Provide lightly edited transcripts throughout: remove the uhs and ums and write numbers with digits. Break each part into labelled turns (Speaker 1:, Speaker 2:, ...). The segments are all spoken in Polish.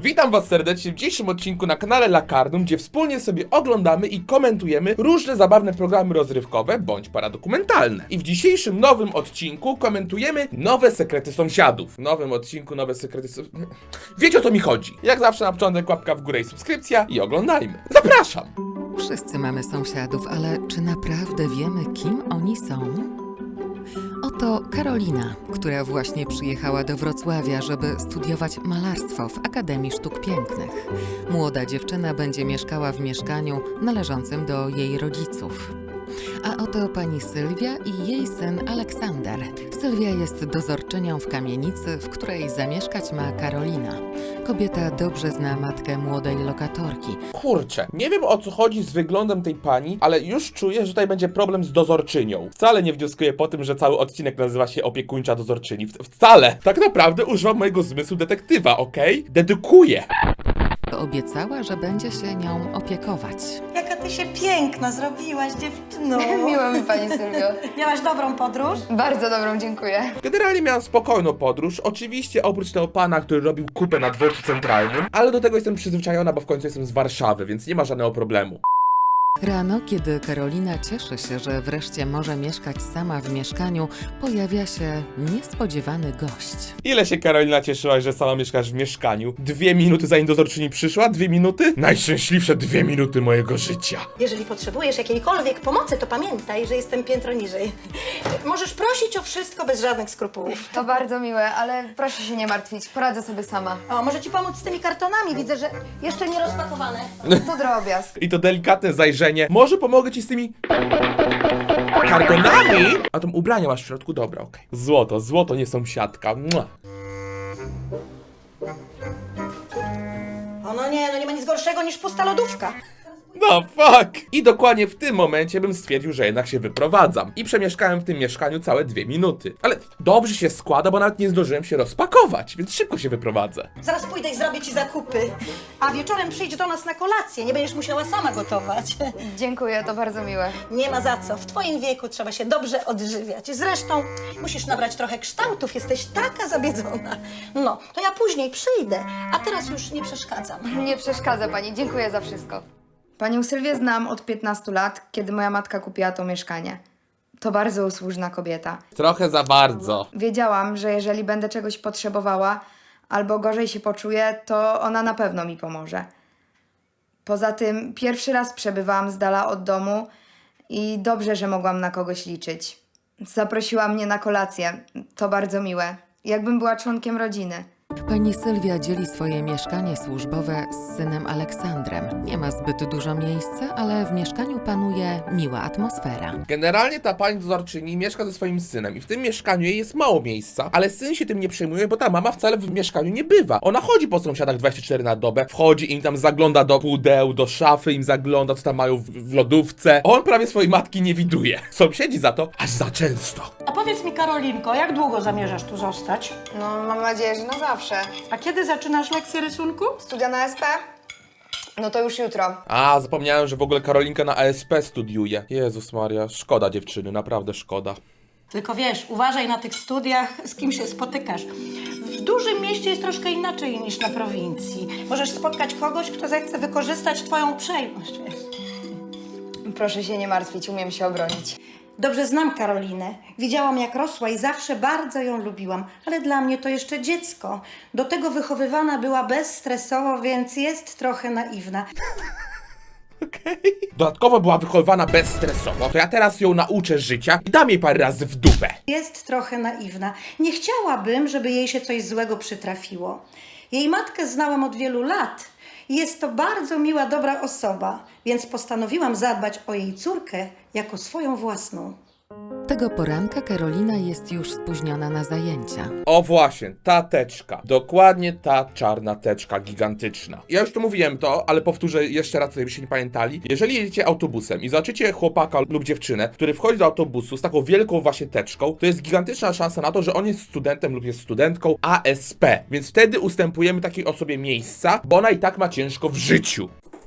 Speaker 1: Witam was serdecznie w dzisiejszym odcinku na kanale Lakarnum, gdzie wspólnie sobie oglądamy i komentujemy różne zabawne programy rozrywkowe bądź paradokumentalne. I w dzisiejszym nowym odcinku komentujemy nowe sekrety sąsiadów. W nowym odcinku nowe sekrety Wiecie, o co mi chodzi. Jak zawsze na początek łapka w górę i subskrypcja i oglądajmy. Zapraszam!
Speaker 2: Wszyscy mamy sąsiadów, ale czy naprawdę wiemy, kim oni są? Oto Karolina, która właśnie przyjechała do Wrocławia, żeby studiować malarstwo w Akademii Sztuk Pięknych. Młoda dziewczyna będzie mieszkała w mieszkaniu należącym do jej rodziców. A oto pani Sylwia i jej syn Aleksander. Sylwia jest dozorczynią w kamienicy, w której zamieszkać ma Karolina. Kobieta dobrze zna matkę młodej lokatorki.
Speaker 1: Kurczę, nie wiem, o co chodzi z wyglądem tej pani, ale już czuję, że tutaj będzie problem z dozorczynią. Wcale nie wnioskuję po tym, że cały odcinek nazywa się Opiekuńcza Dozorczyni. Wcale! Tak naprawdę używam mojego zmysłu detektywa, okej? Dedykuję!
Speaker 2: Obiecała, że będzie się nią opiekować.
Speaker 3: Jaka ty się piękna zrobiłaś, dziewczyno.
Speaker 4: Miło mi, pani Sylwio.
Speaker 3: Miałaś dobrą podróż?
Speaker 4: Bardzo dobrą, dziękuję.
Speaker 1: Generalnie miałem spokojną podróż, oczywiście oprócz tego pana, który robił kupę na dworcu centralnym, ale do tego jestem przyzwyczajona, bo w końcu jestem z Warszawy, więc nie ma żadnego problemu.
Speaker 2: Rano, kiedy Karolina cieszy się, że wreszcie może mieszkać sama w mieszkaniu, pojawia się niespodziewany gość.
Speaker 1: Ile się Karolina cieszyłaś, że sama mieszkasz w mieszkaniu? 2 minuty zanim dozorczyni przyszła? 2 minuty? Najszczęśliwsze 2 minuty mojego życia.
Speaker 3: Jeżeli potrzebujesz jakiejkolwiek pomocy, to pamiętaj, że jestem piętro niżej. Możesz prosić o wszystko bez żadnych skrupułów.
Speaker 4: To bardzo miłe, ale proszę się nie martwić, poradzę sobie sama.
Speaker 3: O, może ci pomóc z tymi kartonami? Widzę, że jeszcze nie rozpakowane.
Speaker 4: To drobiazg.
Speaker 1: I to delikatne zajrzenie. Może pomogę ci z tymi kartonami? A tam ubrania masz w środku? Dobra, okej. Złoto, złoto, nie sąsiadka. Mua.
Speaker 3: O, no nie ma nic gorszego niż pusta lodówka.
Speaker 1: No fuck! I dokładnie w tym momencie bym stwierdził, że jednak się wyprowadzam. I przemieszkałem w tym mieszkaniu całe 2 minuty. Ale dobrze się składa, bo nawet nie zdążyłem się rozpakować, więc szybko się wyprowadzę.
Speaker 3: Zaraz pójdę i zrobię ci zakupy. A wieczorem przyjdź do nas na kolację. Nie będziesz musiała sama gotować.
Speaker 4: Dziękuję, to bardzo miłe.
Speaker 3: Nie ma za co. W twoim wieku trzeba się dobrze odżywiać. Zresztą musisz nabrać trochę kształtów. Jesteś taka zabiedzona. No, to ja później przyjdę. A teraz już nie przeszkadzam.
Speaker 4: Nie przeszkadza pani, dziękuję za wszystko. Panią Sylwię znam od 15 lat, kiedy moja matka kupiła to mieszkanie. To bardzo usłużna kobieta.
Speaker 1: Trochę za bardzo.
Speaker 4: Wiedziałam, że jeżeli będę czegoś potrzebowała albo gorzej się poczuję, to ona na pewno mi pomoże. Poza tym pierwszy raz przebywałam z dala od domu i dobrze, że mogłam na kogoś liczyć. Zaprosiła mnie na kolację. To bardzo miłe. Jakbym była członkiem rodziny.
Speaker 2: Pani Sylwia dzieli swoje mieszkanie służbowe z synem Aleksandrem. Nie ma zbyt dużo miejsca, ale w mieszkaniu panuje miła atmosfera.
Speaker 1: Generalnie ta pani dozorczyni mieszka ze swoim synem i w tym mieszkaniu jej jest mało miejsca, ale syn się tym nie przejmuje, bo ta mama wcale w mieszkaniu nie bywa. Ona chodzi po sąsiadach 24 na dobę, wchodzi im tam, zagląda do pudeł, do szafy, im zagląda, co tam mają w lodówce. On prawie swojej matki nie widuje. Sąsiedzi za to aż za często.
Speaker 3: A powiedz mi, Karolinko, jak długo zamierzasz tu zostać?
Speaker 4: No, mam nadzieję, że na zawsze.
Speaker 3: A kiedy zaczynasz lekcję rysunku?
Speaker 4: Studia na SP? No to już jutro.
Speaker 1: A, zapomniałem, że w ogóle Karolinka na ASP studiuje. Jezus Maria, szkoda dziewczyny, naprawdę szkoda.
Speaker 3: Tylko wiesz, uważaj na tych studiach, z kim się spotykasz. W dużym mieście jest troszkę inaczej niż na prowincji. Możesz spotkać kogoś, kto zechce wykorzystać twoją uprzejmość, wiesz.
Speaker 4: Proszę się nie martwić, umiem się obronić.
Speaker 3: Dobrze znam Karolinę. Widziałam, jak rosła i zawsze bardzo ją lubiłam. Ale dla mnie to jeszcze dziecko. Do tego wychowywana była bezstresowo, więc jest trochę naiwna.
Speaker 1: Dodatkowo była wychowywana bezstresowo, to ja teraz ją nauczę życia i dam jej parę razy w dupę.
Speaker 3: Jest trochę naiwna. Nie chciałabym, żeby jej się coś złego przytrafiło. Jej matkę znałam od wielu lat. Jest to bardzo miła, dobra osoba, więc postanowiłam zadbać o jej córkę jako swoją własną.
Speaker 2: Tego poranka Karolina jest już spóźniona na zajęcia.
Speaker 1: O właśnie, ta teczka. Dokładnie ta czarna teczka gigantyczna. Ja już tu mówiłem to, ale powtórzę jeszcze raz, żebyście nie pamiętali. Jeżeli jedziecie autobusem i zobaczycie chłopaka lub dziewczynę, który wchodzi do autobusu z taką wielką właśnie teczką, to jest gigantyczna szansa na to, że on jest studentem lub jest studentką ASP. Więc wtedy ustępujemy takiej osobie miejsca, bo ona i tak ma ciężko w życiu.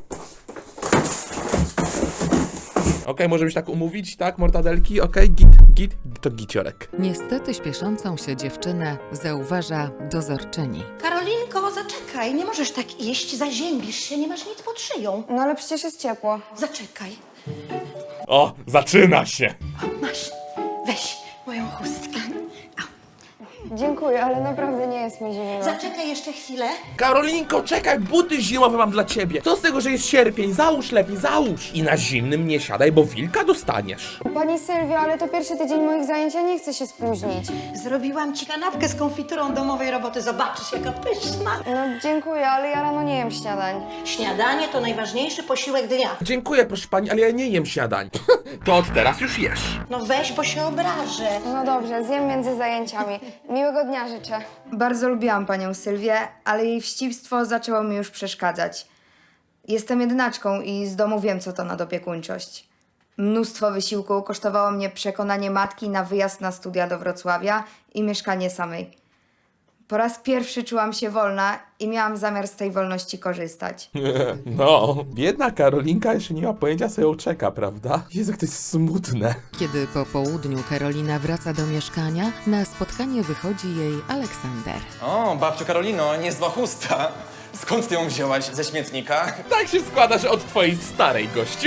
Speaker 1: Okej, możemy się tak umówić, tak, mortadelki? Okej, git, to giciorek.
Speaker 2: Niestety śpieszącą się dziewczynę zauważa dozorczyni.
Speaker 3: Karolinko, zaczekaj. Zaczekaj, nie możesz tak iść, zaziębisz się, nie masz nic pod szyją.
Speaker 4: No ale przecież jest ciepło.
Speaker 3: Zaczekaj.
Speaker 1: O, zaczyna się.
Speaker 3: Masz, weź moją chustkę.
Speaker 4: Dziękuję, ale naprawdę nie jest mi zimno.
Speaker 3: Zaczekaj jeszcze chwilę.
Speaker 1: Karolinko, czekaj, buty zimowe mam dla ciebie. Co z tego, że jest sierpień? Załóż lepiej, załóż. I na zimnym nie siadaj, bo wilka dostaniesz.
Speaker 4: Pani Sylwio, ale to pierwszy tydzień moich zajęć, ja nie chcę się spóźnić.
Speaker 3: Zrobiłam ci kanapkę z konfiturą domowej roboty. Zobaczysz, jaka pyszna.
Speaker 4: No dziękuję, ale ja rano nie jem śniadań.
Speaker 3: Śniadanie to najważniejszy posiłek dnia.
Speaker 1: Dziękuję, proszę pani, ale ja nie jem śniadań. To od teraz już jesz.
Speaker 3: No weź, bo się obrażę.
Speaker 4: No dobrze, zjem między zajęciami. Miłego dnia życzę. Bardzo lubiłam panią Sylwię, ale jej wścibstwo zaczęło mi już przeszkadzać. Jestem jednaczką i z domu wiem, co to nadopiekuńczość. Mnóstwo wysiłku kosztowało mnie przekonanie matki na wyjazd na studia do Wrocławia i mieszkanie samej. Po raz pierwszy czułam się wolna i miałam zamiar z tej wolności korzystać.
Speaker 1: No, biedna Karolinka jeszcze nie ma pojęcia, co ją czeka, prawda? Jezu, jak to jest smutne.
Speaker 2: Kiedy po południu Karolina wraca do mieszkania, na spotkanie wychodzi jej Aleksander.
Speaker 5: O, babciu Karolino, niezła chusta. Skąd ty ją wzięłaś? Ze śmietnika?
Speaker 1: Tak się składa, że od twojej starej, gościu.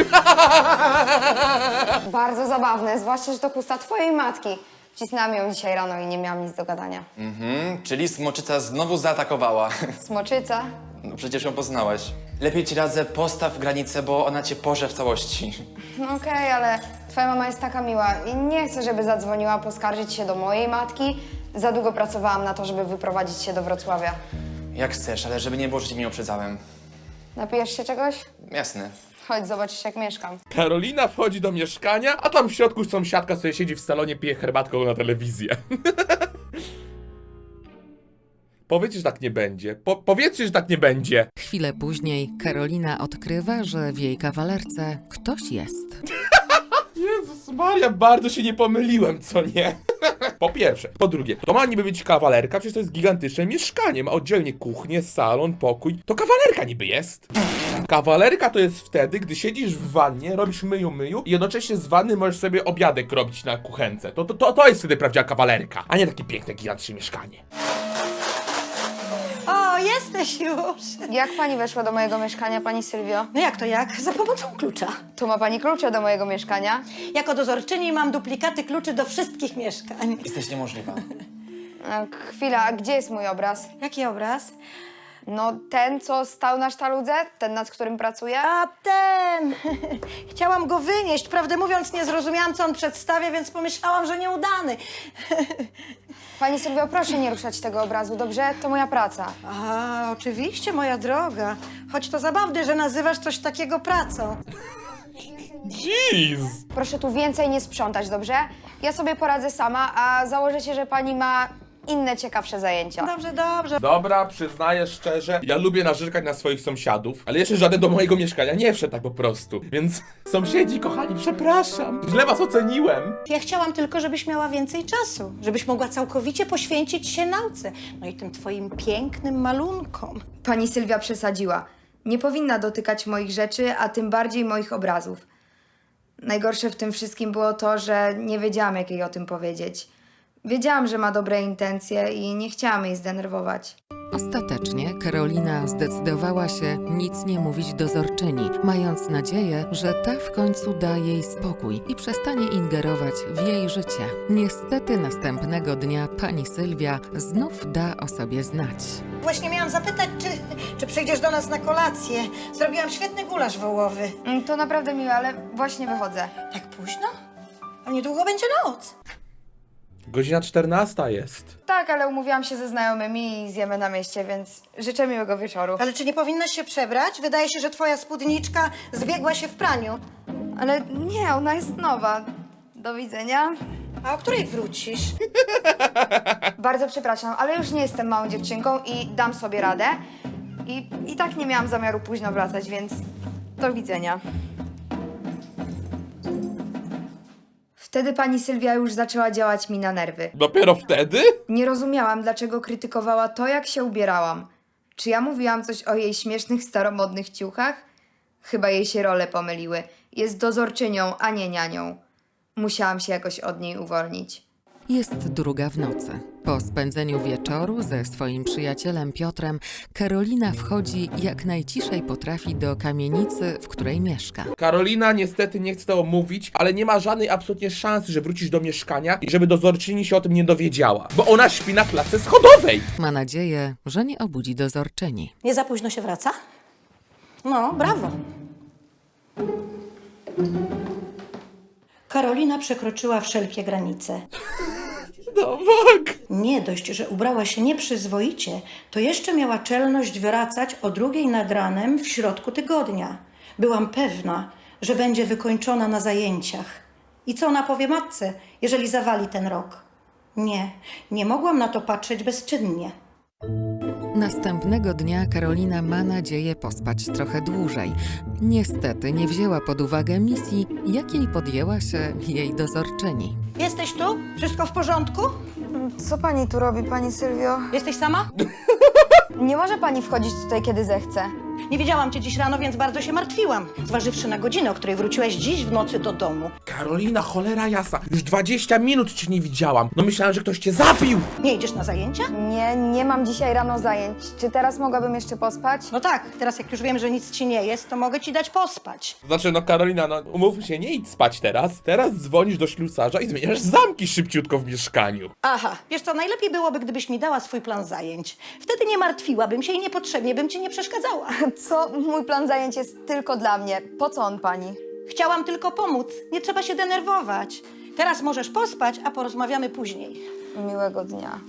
Speaker 4: Bardzo zabawne, zwłaszcza, że to chusta twojej matki. Wcisnęłam ją dzisiaj rano i nie miałam nic do gadania.
Speaker 5: Czyli smoczyca znowu zaatakowała.
Speaker 4: Smoczyca?
Speaker 5: No przecież ją poznałaś. Lepiej ci radzę, postaw granicę, bo ona cię porze w całości.
Speaker 4: No okej, ale twoja mama jest taka miła i nie chcę, żeby zadzwoniła poskarżyć się do mojej matki. Za długo pracowałam na to, żeby wyprowadzić się do Wrocławia.
Speaker 5: Jak chcesz, ale żeby nie było, że cię nie uprzedzałem.
Speaker 4: Napijesz się czegoś?
Speaker 5: Jasne.
Speaker 4: Chodź, zobaczysz, jak mieszkam.
Speaker 1: Karolina wchodzi do mieszkania, a tam w środku sąsiadka sobie siedzi w salonie, pije herbatką na telewizję. Powiedzcie, że tak nie będzie. Powiedzcie, że tak nie będzie.
Speaker 2: Chwilę później Karolina odkrywa, że w jej kawalerce ktoś jest.
Speaker 1: Jezus Maria, bardzo się nie pomyliłem, co nie? Po pierwsze. Po drugie, to ma niby być kawalerka, przecież to jest gigantyczne mieszkanie. Ma oddzielnie kuchnię, salon, pokój. To kawalerka niby jest. Kawalerka to jest wtedy, gdy siedzisz w wannie, robisz myju i jednocześnie z wanny możesz sobie obiadek robić na kuchence. To jest wtedy prawdziwa kawalerka, a nie takie piękne, gigantyczne mieszkanie.
Speaker 3: O, jesteś już.
Speaker 4: Jak pani weszła do mojego mieszkania, pani Sylwio?
Speaker 3: No jak to jak? Za pomocą klucza.
Speaker 4: Tu ma pani klucze do mojego mieszkania.
Speaker 3: Jako dozorczyni mam duplikaty kluczy do wszystkich mieszkań.
Speaker 5: Jesteś niemożliwa.
Speaker 4: Chwila, a gdzie jest mój obraz?
Speaker 3: Jaki obraz?
Speaker 4: No ten, co stał na sztaludze? Ten, nad którym pracuję?
Speaker 3: A ten! Chciałam go wynieść. Prawdę mówiąc, nie zrozumiałam, co on przedstawia, więc pomyślałam, że nieudany.
Speaker 4: Pani Sylwio, proszę nie ruszać tego obrazu, dobrze? To moja praca.
Speaker 3: A, oczywiście, moja droga. Choć to zabawne, że nazywasz coś takiego pracą.
Speaker 1: Jeez!
Speaker 4: Proszę tu więcej nie sprzątać, dobrze? Ja sobie poradzę sama, a założę się, że pani ma inne ciekawsze zajęcia.
Speaker 3: Dobrze, dobrze.
Speaker 1: Dobra, przyznaję szczerze, ja lubię narzekać na swoich sąsiadów, ale jeszcze żaden do mojego mieszkania nie wszedł tak po prostu. Więc sąsiedzi, kochani, przepraszam. Źle was oceniłem.
Speaker 3: Ja chciałam tylko, żebyś miała więcej czasu. Żebyś mogła całkowicie poświęcić się nauce. No i tym twoim pięknym malunkom.
Speaker 4: Pani Sylwia przesadziła. Nie powinna dotykać moich rzeczy, a tym bardziej moich obrazów. Najgorsze w tym wszystkim było to, że nie wiedziałam, jak jej o tym powiedzieć. Wiedziałam, że ma dobre intencje i nie chciałam jej zdenerwować.
Speaker 2: Ostatecznie Karolina zdecydowała się nic nie mówić dozorczyni, mając nadzieję, że ta w końcu da jej spokój i przestanie ingerować w jej życie. Niestety następnego dnia pani Sylwia znów da o sobie znać.
Speaker 3: Właśnie miałam zapytać, czy przyjdziesz do nas na kolację. Zrobiłam świetny gulasz wołowy.
Speaker 4: To naprawdę miłe, ale właśnie wychodzę.
Speaker 3: Tak późno? A niedługo będzie noc.
Speaker 1: Godzina 14 jest.
Speaker 4: Tak, ale umówiłam się ze znajomymi i zjemy na mieście, więc życzę miłego wieczoru.
Speaker 3: Ale czy nie powinnaś się przebrać? Wydaje się, że twoja spódniczka zbiegła się w praniu.
Speaker 4: Ale nie, ona jest nowa. Do widzenia.
Speaker 3: A o której wrócisz?
Speaker 4: Bardzo przepraszam, ale już nie jestem małą dziewczynką i dam sobie radę. I tak nie miałam zamiaru późno wracać, więc do widzenia. Wtedy pani Sylwia już zaczęła działać mi na nerwy.
Speaker 1: Dopiero wtedy?
Speaker 4: Nie rozumiałam, dlaczego krytykowała to, jak się ubierałam. Czy ja mówiłam coś o jej śmiesznych, staromodnych ciuchach? Chyba jej się role pomyliły. Jest dozorczynią, a nie nianią. Musiałam się jakoś od niej uwolnić.
Speaker 2: Jest 2 w nocy. Po spędzeniu wieczoru ze swoim przyjacielem Piotrem, Karolina wchodzi jak najciszej potrafi do kamienicy, w której mieszka.
Speaker 1: Karolina niestety nie chce tego mówić, ale nie ma żadnej absolutnie szansy, że wrócisz do mieszkania i żeby dozorczyni się o tym nie dowiedziała. Bo ona śpi na klatce schodowej.
Speaker 2: Ma nadzieję, że nie obudzi dozorczyni.
Speaker 3: Nie za późno się wraca? No, brawo. Karolina przekroczyła wszelkie granice.
Speaker 1: No tak.
Speaker 3: Nie dość, że ubrała się nieprzyzwoicie, to jeszcze miała czelność wracać o 2:00 nad ranem w środku tygodnia. Byłam pewna, że będzie wykończona na zajęciach. I co ona powie matce, jeżeli zawali ten rok? Nie mogłam na to patrzeć bezczynnie.
Speaker 2: Następnego dnia Karolina ma nadzieję pospać trochę dłużej. Niestety nie wzięła pod uwagę misji, jakiej podjęła się jej dozorczyni.
Speaker 3: Jesteś tu? Wszystko w porządku?
Speaker 4: Co pani tu robi, pani Sylwio?
Speaker 3: Jesteś sama?
Speaker 4: Nie może pani wchodzić tutaj, kiedy zechce.
Speaker 3: Nie widziałam cię dziś rano, więc bardzo się martwiłam. Zważywszy na godzinę, o której wróciłeś dziś w nocy do domu.
Speaker 1: Karolina, cholera jasna. Już 20 minut cię nie widziałam. No myślałem, że ktoś cię zabił.
Speaker 3: Nie idziesz na zajęcia?
Speaker 4: Nie mam dzisiaj rano zajęć. Czy teraz mogłabym jeszcze pospać?
Speaker 3: No tak, teraz jak już wiem, że nic ci nie jest, to mogę ci dać pospać.
Speaker 1: Znaczy, no Karolina, no umówmy się, nie idź spać teraz. Teraz dzwonisz do ślusarza i zmieniasz zamki szybciutko w mieszkaniu.
Speaker 3: Aha, wiesz co, najlepiej byłoby, gdybyś mi dała swój plan zajęć. Wtedy nie martwiłabym się i niepotrzebnie bym ci nie przeszkadzała.
Speaker 4: Co? Mój plan zajęć jest tylko dla mnie. Po co on pani?
Speaker 3: Chciałam tylko pomóc, nie trzeba się denerwować. Teraz możesz pospać, a porozmawiamy później.
Speaker 4: Miłego dnia.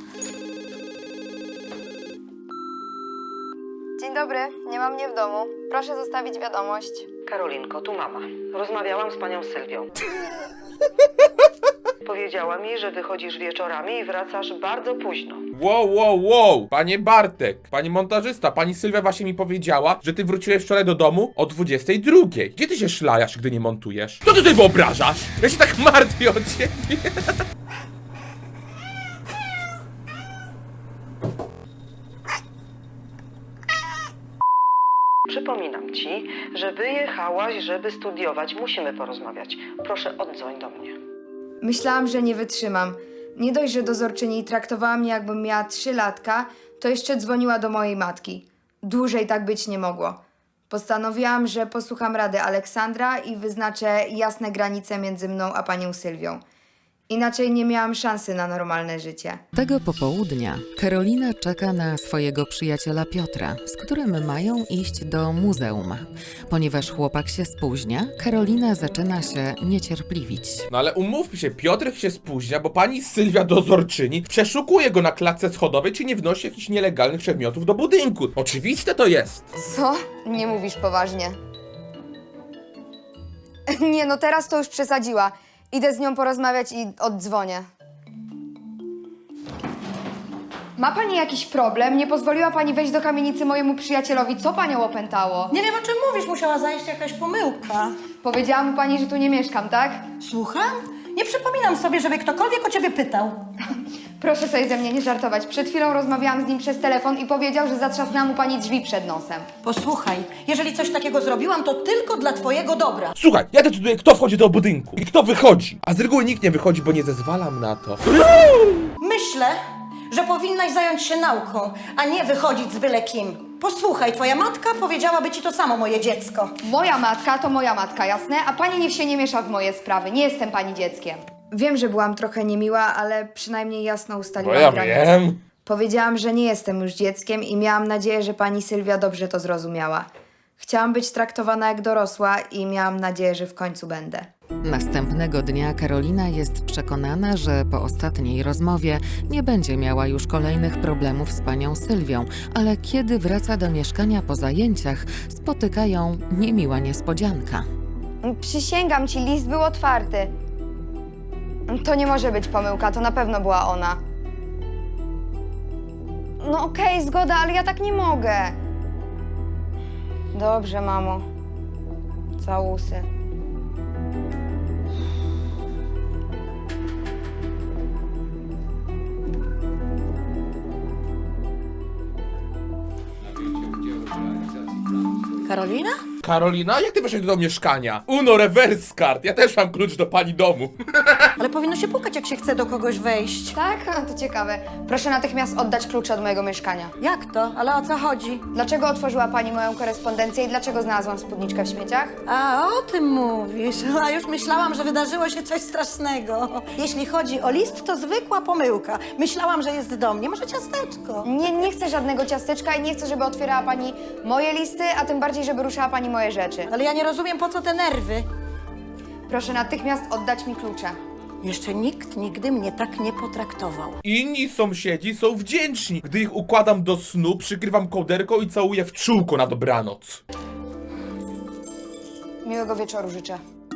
Speaker 4: Dzień dobry, nie ma mnie w domu. Proszę zostawić wiadomość.
Speaker 6: Karolinko, tu mama. Rozmawiałam z panią Sylwią. Powiedziała mi, że wychodzisz wieczorami i wracasz bardzo późno.
Speaker 1: Wow. Panie Bartek, panie montażysta, pani Sylwia właśnie mi powiedziała, że ty wróciłeś wczoraj do domu o 22. Gdzie ty się szlajasz, gdy nie montujesz? Co ty sobie wyobrażasz? Ja się tak martwię o ciebie.
Speaker 6: Przypominam ci, że wyjechałaś, żeby studiować. Musimy porozmawiać. Proszę, oddzwoń do mnie.
Speaker 4: Myślałam, że nie wytrzymam. Nie dość, że dozorczyni traktowała mnie, jakbym miała 3 latka, to jeszcze dzwoniła do mojej matki. Dłużej tak być nie mogło. Postanowiłam, że posłucham rady Aleksandra i wyznaczę jasne granice między mną a panią Sylwią. Inaczej nie miałam szansy na normalne życie.
Speaker 2: Tego popołudnia Karolina czeka na swojego przyjaciela Piotra, z którym mają iść do muzeum. Ponieważ chłopak się spóźnia, Karolina zaczyna się niecierpliwić.
Speaker 1: No ale umówmy się, Piotrek się spóźnia, bo pani Sylwia dozorczyni przeszukuje go na klatce schodowej, czy nie wnosi jakichś nielegalnych przedmiotów do budynku. Oczywiste to jest.
Speaker 4: Co? Nie mówisz poważnie. Nie, no teraz to już przesadziła. Idę z nią porozmawiać i oddzwonię. Ma pani jakiś problem? Nie pozwoliła pani wejść do kamienicy mojemu przyjacielowi. Co panią opętało?
Speaker 3: Nie wiem, o czym mówisz, musiała zajść jakaś pomyłka.
Speaker 4: Powiedziała mu pani, że tu nie mieszkam, tak?
Speaker 3: Słucham? Nie przypominam sobie, żeby ktokolwiek o ciebie pytał.
Speaker 4: Proszę sobie ze mnie nie żartować. Przed chwilą rozmawiałam z nim przez telefon i powiedział, że zatrzasnęła mu pani drzwi przed nosem.
Speaker 3: Posłuchaj, jeżeli coś takiego zrobiłam, to tylko dla twojego dobra.
Speaker 1: Słuchaj, ja decyduję, kto wchodzi do budynku i kto wychodzi. A z reguły nikt nie wychodzi, bo nie zezwalam na to.
Speaker 3: Myślę, że powinnaś zająć się nauką, a nie wychodzić z byle kim. Posłuchaj, twoja matka powiedziałaby ci to samo, moje dziecko.
Speaker 4: Moja matka to moja matka, jasne? A pani niech się nie miesza w moje sprawy. Nie jestem pani dzieckiem. Wiem, że byłam trochę niemiła, ale przynajmniej jasno
Speaker 1: Bo
Speaker 4: ustaliłam
Speaker 1: ja
Speaker 4: granice.
Speaker 1: wiem.
Speaker 4: Powiedziałam, że nie jestem już dzieckiem i miałam nadzieję, że pani Sylwia dobrze to zrozumiała. Chciałam być traktowana jak dorosła i miałam nadzieję, że w końcu będę.
Speaker 2: Następnego dnia Karolina jest przekonana, że po ostatniej rozmowie nie będzie miała już kolejnych problemów z panią Sylwią, ale kiedy wraca do mieszkania po zajęciach, spotyka ją niemiła niespodzianka.
Speaker 4: Przysięgam ci, list był otwarty. To nie może być pomyłka, to na pewno była ona. No okej, zgoda, ale ja tak nie mogę. Dobrze, mamo. Całusy.
Speaker 3: Karolina?
Speaker 1: Karolina, jak ty weszłeś do mieszkania? Uno, reverse card. Ja też mam klucz do pani domu.
Speaker 3: Ale powinno się pukać, jak się chce do kogoś wejść.
Speaker 4: Tak? To ciekawe. Proszę natychmiast oddać klucze od mojego mieszkania.
Speaker 3: Jak to? Ale o co chodzi?
Speaker 4: Dlaczego otworzyła pani moją korespondencję i dlaczego znalazłam spódniczkę w śmieciach?
Speaker 3: A, o tym mówisz. A już myślałam, że wydarzyło się coś strasznego. Jeśli chodzi o list, to zwykła pomyłka. Myślałam, że jest do mnie. Może ciasteczko?
Speaker 4: Nie chcę żadnego ciasteczka i nie chcę, żeby otwierała pani moje listy, a tym bardziej, żeby ruszała pani moje rzeczy.
Speaker 3: Ale ja nie rozumiem, po co te nerwy.
Speaker 4: Proszę natychmiast oddać mi klucze.
Speaker 3: Jeszcze nikt nigdy mnie tak nie potraktował.
Speaker 1: Inni sąsiedzi są wdzięczni. Gdy ich układam do snu, przykrywam kołderką i całuję w czółko na dobranoc.
Speaker 4: Miłego wieczoru życzę.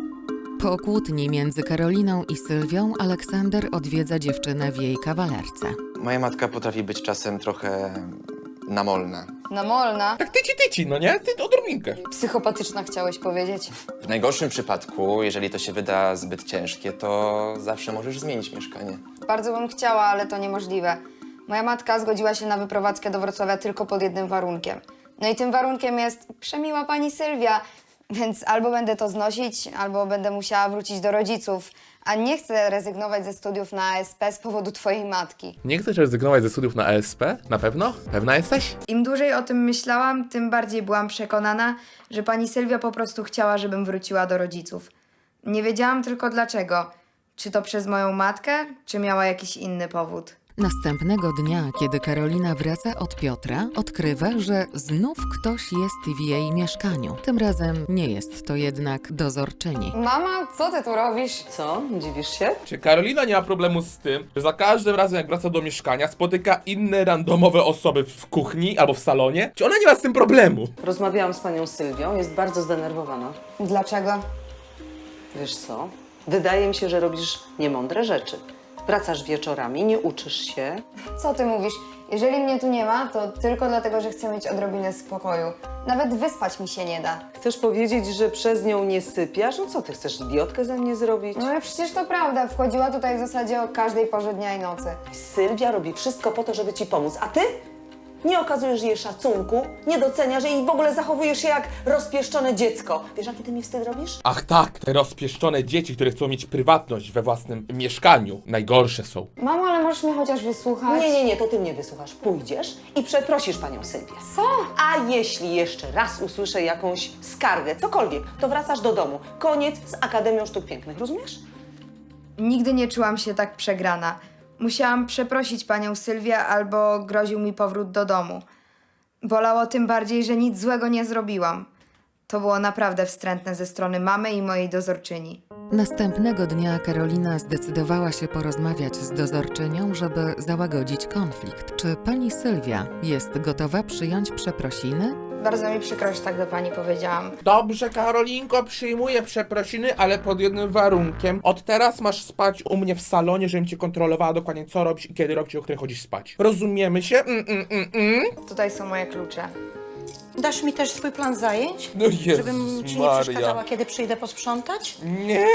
Speaker 2: Po kłótni między Karoliną i Sylwią Aleksander odwiedza dziewczynę w jej kawalerce.
Speaker 5: Moja matka potrafi być czasem trochę namolna.
Speaker 4: Namolna.
Speaker 1: Tak tyci, no nie? Ty odrobinkę.
Speaker 4: Psychopatyczna chciałeś powiedzieć.
Speaker 5: W najgorszym przypadku, jeżeli to się wyda zbyt ciężkie, to zawsze możesz zmienić mieszkanie.
Speaker 4: Bardzo bym chciała, ale to niemożliwe. Moja matka zgodziła się na wyprowadzkę do Wrocławia tylko pod jednym warunkiem. No i tym warunkiem jest przemiła pani Sylwia, więc albo będę to znosić, albo będę musiała wrócić do rodziców. A nie chcę rezygnować ze studiów na ASP z powodu twojej matki.
Speaker 1: Nie chcesz rezygnować ze studiów na ESP? Na pewno? Pewna jesteś?
Speaker 4: Im dłużej o tym myślałam, tym bardziej byłam przekonana, że pani Sylwia po prostu chciała, żebym wróciła do rodziców. Nie wiedziałam tylko dlaczego. Czy to przez moją matkę, czy miała jakiś inny powód.
Speaker 2: Następnego dnia, kiedy Karolina wraca od Piotra, odkrywa, że znów ktoś jest w jej mieszkaniu. Tym razem nie jest to jednak dozorczyni.
Speaker 4: Mama, co ty tu robisz?
Speaker 6: Co? Dziwisz się?
Speaker 1: Czy Karolina nie ma problemu z tym, że za każdym razem jak wraca do mieszkania spotyka inne randomowe osoby w kuchni albo w salonie? Czy ona nie ma z tym problemu?
Speaker 6: Rozmawiałam z panią Sylwią, jest bardzo zdenerwowana.
Speaker 4: Dlaczego?
Speaker 6: Wiesz co? Wydaje mi się, że robisz niemądre rzeczy. Wracasz wieczorami, nie uczysz się.
Speaker 4: Co ty mówisz? Jeżeli mnie tu nie ma, to tylko dlatego, że chcę mieć odrobinę spokoju. Nawet wyspać mi się nie da.
Speaker 6: Chcesz powiedzieć, że przez nią nie sypiasz? No co, ty chcesz idiotkę ze mnie zrobić?
Speaker 4: No ale przecież to prawda. Wchodziła tutaj w zasadzie o każdej porze dnia i nocy.
Speaker 6: Sylwia robi wszystko po to, żeby ci pomóc, a ty? Nie okazujesz jej szacunku, nie doceniasz jej i w ogóle zachowujesz się jak rozpieszczone dziecko. Wiesz, jaki ty mi wstyd robisz?
Speaker 1: Ach tak, te rozpieszczone dzieci, które chcą mieć prywatność we własnym mieszkaniu. Najgorsze są.
Speaker 4: Mamo, ale możesz mnie chociaż wysłuchać?
Speaker 6: Nie, to ty mnie wysłuchasz. Pójdziesz i przeprosisz panią Sylwię.
Speaker 4: Co?
Speaker 6: A jeśli jeszcze raz usłyszę jakąś skargę, cokolwiek, to wracasz do domu. Koniec z Akademią Sztuk Pięknych, rozumiesz?
Speaker 4: Nigdy nie czułam się tak przegrana. Musiałam przeprosić panią Sylwię albo groził mi powrót do domu. Bolało tym bardziej, że nic złego nie zrobiłam. To było naprawdę wstrętne ze strony mamy i mojej dozorczyni.
Speaker 2: Następnego dnia Karolina zdecydowała się porozmawiać z dozorczynią, żeby załagodzić konflikt. Czy pani Sylwia jest gotowa przyjąć przeprosiny?
Speaker 4: Bardzo mi przykro, że tak do pani powiedziałam.
Speaker 1: Dobrze, Karolinko, przyjmuję przeprosiny, ale pod jednym warunkiem. Od teraz masz spać u mnie w salonie, żebym cię kontrolowała dokładnie co robisz i kiedy robisz, o której chodzisz spać. Rozumiemy się?
Speaker 4: Tutaj są moje klucze.
Speaker 3: Dasz mi też swój plan zajęć?
Speaker 1: No Jezus
Speaker 3: Żebym ci nie
Speaker 1: Maria.
Speaker 3: przeszkadzała, kiedy przyjdę posprzątać?
Speaker 1: Nie!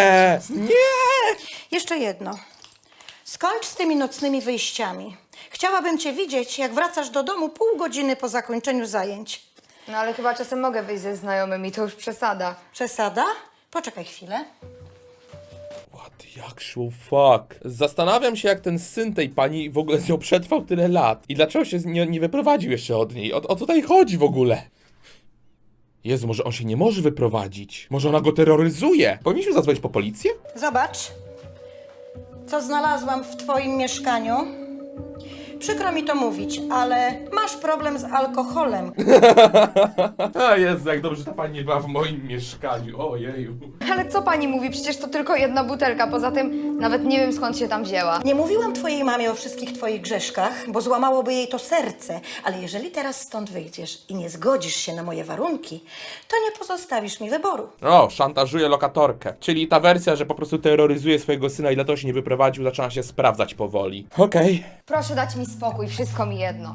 Speaker 3: Jeszcze jedno. Skończ z tymi nocnymi wyjściami. Chciałabym cię widzieć, jak wracasz do domu pół godziny po zakończeniu zajęć.
Speaker 4: No ale chyba czasem mogę wyjść ze znajomymi, to już przesada.
Speaker 3: Przesada? Poczekaj chwilę.
Speaker 1: What the actual fuck? Zastanawiam się, jak ten syn tej pani w ogóle z nią przetrwał tyle lat i dlaczego się nie wyprowadził jeszcze od niej. O co tutaj chodzi w ogóle? Jezu, może on się nie może wyprowadzić? Może ona go terroryzuje? Powinniśmy zadzwonić po policję?
Speaker 3: Zobacz, co znalazłam w twoim mieszkaniu. Przykro mi to mówić, ale masz problem z alkoholem.
Speaker 1: A Jezu, jak dobrze, że ta pani nie była w moim mieszkaniu. Ojeju.
Speaker 4: Ale co pani mówi? Przecież to tylko jedna butelka, poza tym nawet nie wiem skąd się tam wzięła.
Speaker 3: Nie mówiłam twojej mamie o wszystkich twoich grzeszkach, bo złamałoby jej to serce, ale jeżeli teraz stąd wyjdziesz i nie zgodzisz się na moje warunki, to nie pozostawisz mi wyboru.
Speaker 1: O, szantażuje lokatorkę. Czyli ta wersja, że po prostu terroryzuje swojego syna i dlatego się nie wyprowadził, zaczyna się sprawdzać powoli. Okej.
Speaker 4: Proszę dać mi spokój, wszystko mi jedno.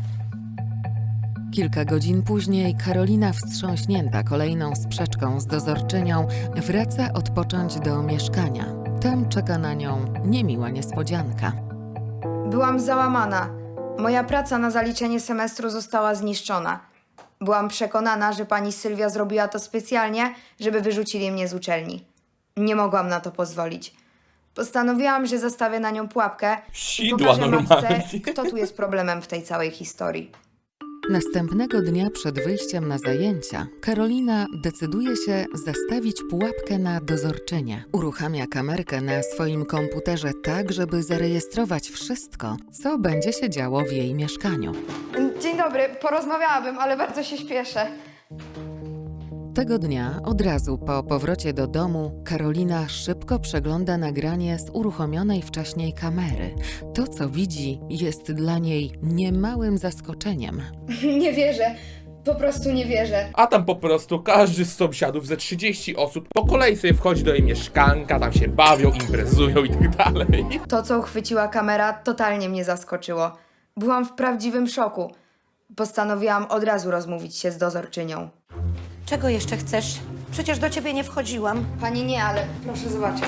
Speaker 2: Kilka godzin później Karolina, wstrząśnięta kolejną sprzeczką z dozorczynią, wraca odpocząć do mieszkania. Tam czeka na nią niemiła niespodzianka.
Speaker 4: Byłam załamana. Moja praca na zaliczenie semestru została zniszczona. Byłam przekonana, że pani Sylwia zrobiła to specjalnie, żeby wyrzucili mnie z uczelni. Nie mogłam na to pozwolić. Postanowiłam, że zastawię na nią pułapkę i
Speaker 1: Sidła
Speaker 4: pokażę matce,
Speaker 1: normalnie.
Speaker 4: kto tu jest problemem w tej całej historii.
Speaker 2: Następnego dnia przed wyjściem na zajęcia Karolina decyduje się zastawić pułapkę na dozorczynię. Uruchamia kamerkę na swoim komputerze tak, żeby zarejestrować wszystko, co będzie się działo w jej mieszkaniu.
Speaker 4: Dzień dobry, porozmawiałabym, ale bardzo się śpieszę.
Speaker 2: Tego dnia, od razu po powrocie do domu, Karolina szybko przegląda nagranie z uruchomionej wcześniej kamery. To, co widzi, jest dla niej niemałym zaskoczeniem.
Speaker 4: Nie wierzę, po prostu nie wierzę.
Speaker 1: A tam po prostu każdy z sąsiadów, ze 30 osób, po kolei sobie wchodzi do jej mieszkanka, tam się bawią, imprezują i tak dalej.
Speaker 4: To, co uchwyciła kamera, totalnie mnie zaskoczyło. Byłam w prawdziwym szoku. Postanowiłam od razu rozmówić się z dozorczynią.
Speaker 3: Czego jeszcze chcesz? Przecież do ciebie nie wchodziłam.
Speaker 4: Pani nie, ale proszę zobaczyć.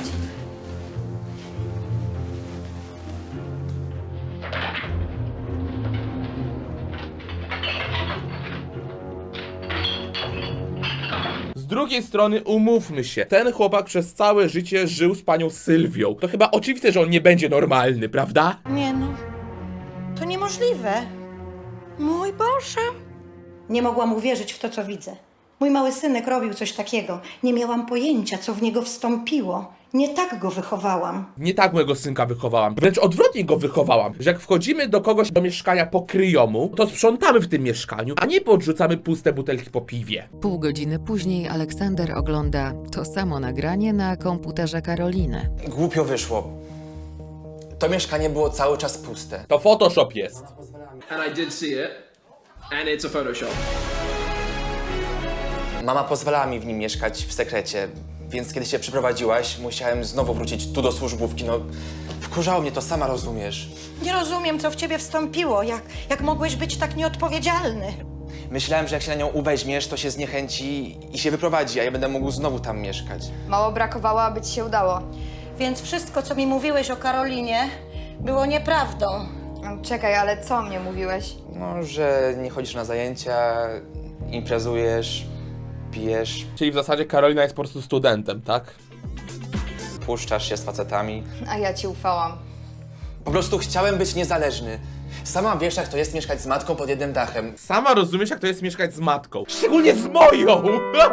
Speaker 1: Z drugiej strony umówmy się, ten chłopak przez całe życie żył z panią Sylwią. To chyba oczywiste, że on nie będzie normalny, prawda?
Speaker 3: Nie no, to niemożliwe. Mój Boże. Nie mogłam uwierzyć w to, co widzę. Mój mały synek robił coś takiego. Nie miałam pojęcia, co w niego wstąpiło. Nie tak go wychowałam.
Speaker 1: Nie tak mojego synka wychowałam, wręcz odwrotnie go wychowałam, że jak wchodzimy do kogoś do mieszkania po kryjomu, to sprzątamy w tym mieszkaniu, a nie podrzucamy puste butelki po piwie.
Speaker 2: Pół godziny później Aleksander ogląda to samo nagranie na komputerze Karoliny.
Speaker 5: Głupio wyszło. To mieszkanie było cały czas puste.
Speaker 1: To Photoshop jest.
Speaker 7: And I did see it, and it's a Photoshop.
Speaker 5: Mama pozwalała mi w nim mieszkać w sekrecie, więc kiedy się przeprowadziłaś, musiałem znowu wrócić tu do służbówki. No, wkurzało mnie to, sama rozumiesz.
Speaker 3: Nie rozumiem, co w ciebie wstąpiło. Jak mogłeś być tak nieodpowiedzialny?
Speaker 5: Myślałem, że jak się na nią uweźmiesz, to się zniechęci i się wyprowadzi, a ja będę mógł znowu tam mieszkać.
Speaker 4: Mało brakowało, aby ci się udało.
Speaker 3: Więc wszystko, co mi mówiłeś o Karolinie, było nieprawdą.
Speaker 4: Czekaj, ale co mnie mówiłeś?
Speaker 5: No, że nie chodzisz na zajęcia, imprezujesz, pijesz,
Speaker 1: Czyli w zasadzie Karolina jest po prostu studentem, tak?
Speaker 5: puszczasz się z facetami.
Speaker 4: A ja ci ufałam.
Speaker 5: Po prostu chciałem być niezależny. Sama wiesz, jak to jest mieszkać z matką pod jednym dachem.
Speaker 1: Sama rozumiesz, jak to jest mieszkać z matką. Szczególnie z moją!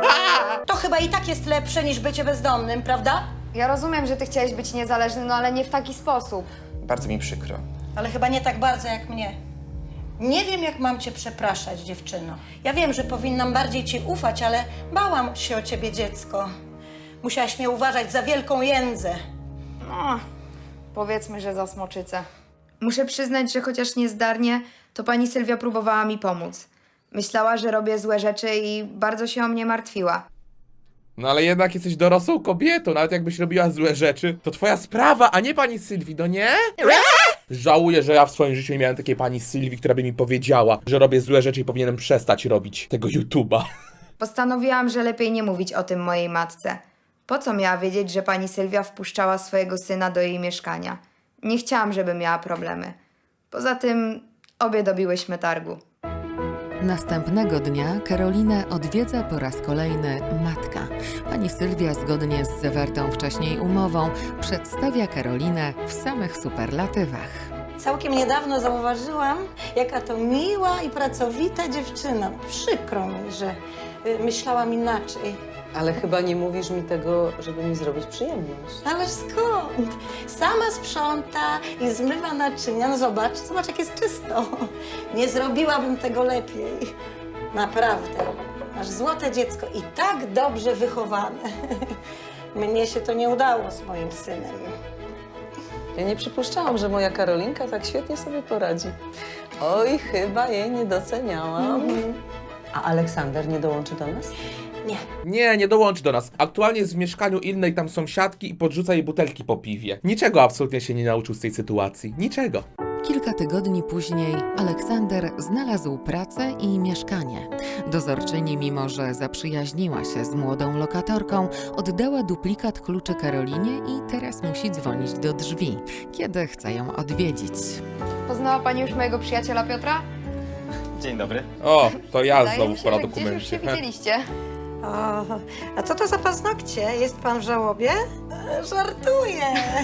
Speaker 3: To chyba i tak jest lepsze niż bycie bezdomnym, prawda?
Speaker 4: Ja rozumiem, że ty chciałeś być niezależny, no ale nie w taki sposób.
Speaker 5: Bardzo mi przykro.
Speaker 3: Ale chyba nie tak bardzo jak mnie. Nie wiem, jak mam cię przepraszać, dziewczyno. Ja wiem, że powinnam bardziej ci ufać, ale bałam się o ciebie, dziecko. Musiałaś mnie uważać za wielką jędzę.
Speaker 4: No, powiedzmy, że za smoczycę. Muszę przyznać, że chociaż niezdarnie, to pani Sylwia próbowała mi pomóc. Myślała, że robię złe rzeczy i bardzo się o mnie martwiła.
Speaker 1: No ale jednak jesteś dorosłą kobietą, nawet jakbyś robiła złe rzeczy, to twoja sprawa, a nie pani Sylwii, no nie? Żałuję, że ja w swoim życiu nie miałem takiej pani Sylwii, która by mi powiedziała, że robię złe rzeczy i powinienem przestać robić tego YouTube'a.
Speaker 4: Postanowiłam, że lepiej nie mówić o tym mojej matce. Po co miała wiedzieć, że pani Sylwia wpuszczała swojego syna do jej mieszkania? Nie chciałam, żeby miała problemy. Poza tym obie dobiłyśmy targu.
Speaker 2: Następnego dnia Karolinę odwiedza po raz kolejny matka. Pani Sylwia, zgodnie z zawartą wcześniej umową, przedstawia Karolinę w samych superlatywach.
Speaker 3: Całkiem niedawno zauważyłam, jaka to miła i pracowita dziewczyna. Przykro mi, że myślałam inaczej.
Speaker 6: Ale chyba nie mówisz mi tego, żeby mi zrobić przyjemność.
Speaker 3: Ależ skąd? Sama sprząta i zmywa naczynia. No zobacz, jak jest czysto. Nie zrobiłabym tego lepiej. Naprawdę. Masz złote dziecko i tak dobrze wychowane. Mnie się to nie udało z moim synem.
Speaker 6: Ja nie przypuszczałam, że moja Karolinka tak świetnie sobie poradzi. Oj, chyba jej nie doceniałam. A Aleksander nie dołączy do nas?
Speaker 3: Nie.
Speaker 1: Nie dołączy do nas. Aktualnie jest w mieszkaniu innej tam sąsiadki i podrzuca jej butelki po piwie. Niczego absolutnie się nie nauczył z tej sytuacji. Niczego.
Speaker 2: Kilka tygodni później Aleksander znalazł pracę i mieszkanie. Dozorczyni, mimo że zaprzyjaźniła się z młodą lokatorką, oddała duplikat kluczy Karolinie i teraz musi dzwonić do drzwi, kiedy chce ją odwiedzić.
Speaker 4: Poznała pani już mojego przyjaciela Piotra?
Speaker 5: Dzień dobry.
Speaker 1: O, to ja
Speaker 4: Wydaje
Speaker 1: znowu
Speaker 4: mi się,
Speaker 1: pora
Speaker 4: że gdzieś już się
Speaker 1: dokumencie.
Speaker 4: widzieliście.
Speaker 3: O, a co to za paznokcie? Jest pan w żałobie? Żartuję.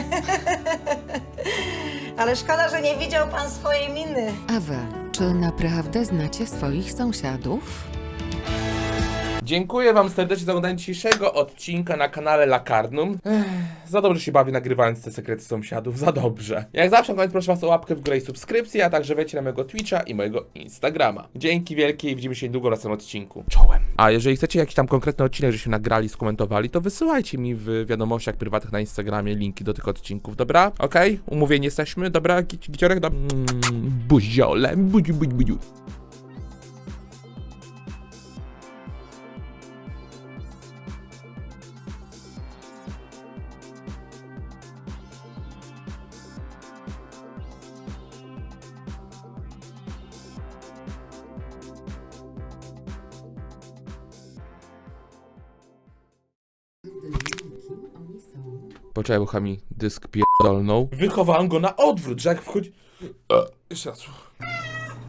Speaker 3: Ale szkoda, że nie widział pan swojej miny.
Speaker 2: A wy, czy naprawdę znacie swoich sąsiadów?
Speaker 1: Dziękuję wam serdecznie za oglądanie dzisiejszego odcinka na kanale Lakarnum. Za dobrze się bawię nagrywając te sekrety sąsiadów, za dobrze. Jak zawsze na koniec proszę was o łapkę w górę i subskrypcję, a także wejdźcie na mojego Twitcha i mojego Instagrama. Dzięki wielkie i widzimy się niedługo w następnym odcinku. Czołem! A jeżeli chcecie jakiś tam konkretny odcinek, żebyśmy nagrali, skomentowali, to wysyłajcie mi w wiadomościach prywatnych na Instagramie linki do tych odcinków, dobra? Okej? Umówieni jesteśmy? Dobra? Giciorek? Buziole, buziu. Poczekaj, bo mi dysk pierdolnął. Wychowałem go na odwrót, że jak wchodzi... Jeszcze raz.